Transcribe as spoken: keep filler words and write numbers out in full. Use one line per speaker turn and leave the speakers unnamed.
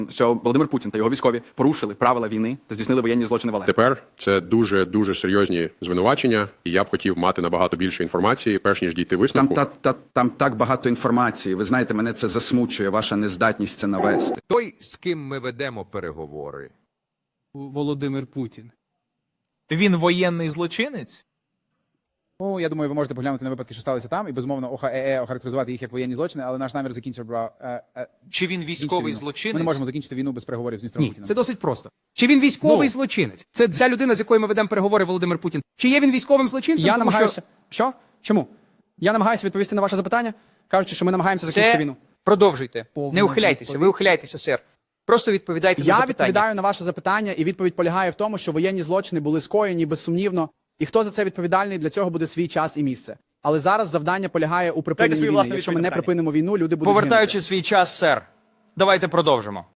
що Володимир Путін та його військові порушили правила війни та здійснили воєнні злочини в Алепо.
Тепер це дуже-дуже серйозні звинувачення, і я б хотів мати набагато більше інформації, перш ніж дійти
Там,
висновку.
та, та, там так багато інформації. Ви знаєте, мене це засмучує, ваша нездатність це навести.
Той, з ким ми ведемо переговори.
Володимир Путін.
Він воєнний злочинець?
Ну, я думаю, ви можете поглянути на випадки, що сталися там, і безумовно ОХЕЕ охарактеризувати їх як воєнні злочини, але наш намір закінчив, бро. Е, е,
Чи він військовий
війну.
злочинець?
Ми не можемо закінчити війну без переговорів з міністром
Ні,
Путіним.
це досить просто. Чи він військовий
Ну.
злочинець? Це ця людина, з якою ми ведемо переговори, Володимир Путін. Чи є він військовим злочинцем?
Я
Тому
намагаюся.
що
Що? Чому? Я намагаюся відповісти на ваше запитання, кажучи, що ми намагаємося закінчити
Це...
війну.
Продовжуйте.
Повна
Не ухиляйтеся, ви
відповідь.
ухиляйтеся, сер. Просто відповідайте на
Я
запитання.
відповідаю на ваше запитання, і відповідь полягає в тому, що воєнні злочини були скоєні безсумнівно, і хто за це відповідальний, для цього буде свій час і місце. Але зараз завдання полягає у припиненні
свою
війни.
власну
Якщо ми
відповідь
не
на питання.
припинимо війну, люди будуть гинути.
Повертаючи свій час, сер, давайте продовжимо.